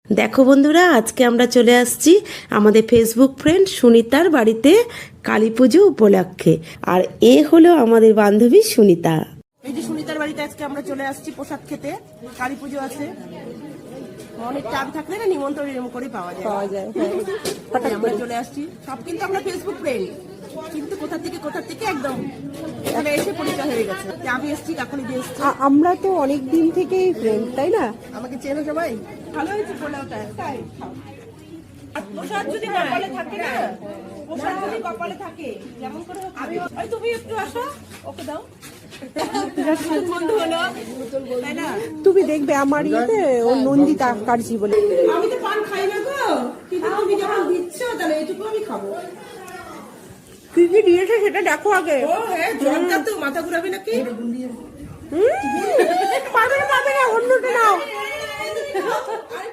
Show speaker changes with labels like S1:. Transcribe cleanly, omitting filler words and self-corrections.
S1: দেখো বন্ধুরা, আজকে আমরা চলে আসছি আমাদের ফেসবুক ফ্রেন্ড সুনিতার বাড়িতে কালী পুজো উপলক্ষে। আর এ হলো আমাদের বান্ধবী সুনিতা।
S2: এই যে সুনিতার বাড়িতে আজকে আমরা চলে আসছি প্রসাদ খেতে। কালী পুজো আছে, অনেক টান থাকলে না নিমন্ত্রণ এরকম করে পাওয়া যায়। আমরা চলে আসছি, সব কিন্তু আমরা ফেসবুক ফ্রেন্ড, কিন্তু কোথা থেকে একদম এখানে এসে পরিচয় হয়ে গেছে। আমি এসছি, কাকুলি দিয়ে এসছি।
S3: আমরা তো অনেক দিন থেকেই ফ্রেন্ড, তাই না?
S2: আমাকে চেনো সবাই, ভালো হয়েছে পোলাওটা। তাই আর প্রসাদ যদি কপালে থাকে না, প্রসাদ যদি কপালে থাকে, যেমন করে আমি ওই তুমি একটু আসো, ওকে দাও। বন্ধু হলো, তাই না?
S3: তুমি দেখবে আমার ইয়েতে ও নন্দিতা কাটছি বলে।
S2: আমি তো পান খাই না গো, কিন্তু তুমি যখন দিচ্ছ তাহলে এটুকু আমি খাবো।
S3: কি কি দিয়েছে সেটা দেখো আগে।
S2: ও হ্যাঁ, জলটা তো মাথা ঘুরাবে নাকি?
S3: পারবে না, অন্যটা নাও।